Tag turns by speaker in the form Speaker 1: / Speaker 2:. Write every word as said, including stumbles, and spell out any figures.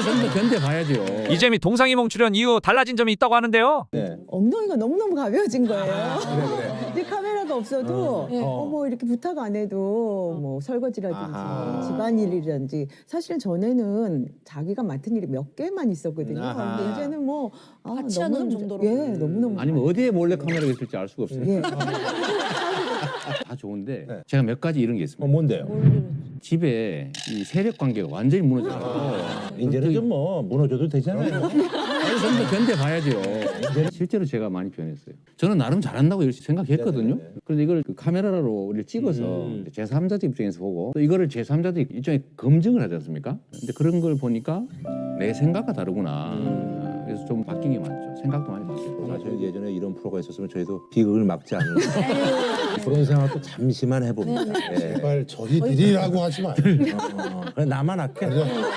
Speaker 1: 좀 더 견뎌봐야죠.
Speaker 2: 이재미 동상이몽 출연 이후 달라진 점이 있다고 하는데요.
Speaker 3: 네.
Speaker 4: 엉덩이가 너무너무 가벼워진 거예요.
Speaker 3: 그래 그래.
Speaker 4: 근데 카메라가 없어도
Speaker 3: 어.
Speaker 4: 어, 뭐 이렇게 부탁 안 해도 뭐 설거지라든지
Speaker 3: 아하.
Speaker 4: 집안일이라든지 사실은 전에는 자기가 맡은 일이 몇 개만 있었거든요.
Speaker 3: 아하.
Speaker 4: 근데 이제는 뭐 아,
Speaker 5: 같이 하는
Speaker 4: 너무너무
Speaker 5: 정도로.
Speaker 4: 예, 너무너무
Speaker 1: 아니면 어디에 몰래 카메라가 있을지 알 수가 없어요.
Speaker 4: 예.
Speaker 1: 다 좋은데
Speaker 3: 네.
Speaker 1: 제가 몇 가지 이런 게 있습니다.
Speaker 3: 어 뭔데요?
Speaker 1: 집에 이 세력 관계가 완전히 무너져가지고
Speaker 3: 아, 이제는 좀 뭐 무너져도 되잖아요.
Speaker 1: 좀 더 견뎌봐야죠. 실제로 제가 많이 변했어요. 저는 나름 잘한다고 이렇게 생각했거든요.
Speaker 3: 네네네.
Speaker 1: 그런데 이걸 그 카메라로 이렇게 찍어서
Speaker 3: 음.
Speaker 1: 제삼자들 입장에서 보고 또 이거를 제삼자들이 일종의 검증을 하지 않습니까? 근데 그런 걸 보니까 내 생각과 다르구나.
Speaker 3: 음.
Speaker 1: 그래서 좀 바뀐 게 많죠. 생각도 많이 바뀌고.
Speaker 3: 사실 예전에 이런 프로가 있었으면 저희도 비극을 막지 않는 그런 생각도 잠시만 해봅니다. 예.
Speaker 6: 제발 저희들이라고 하지 마요.
Speaker 3: 어, 그냥 나만 할게.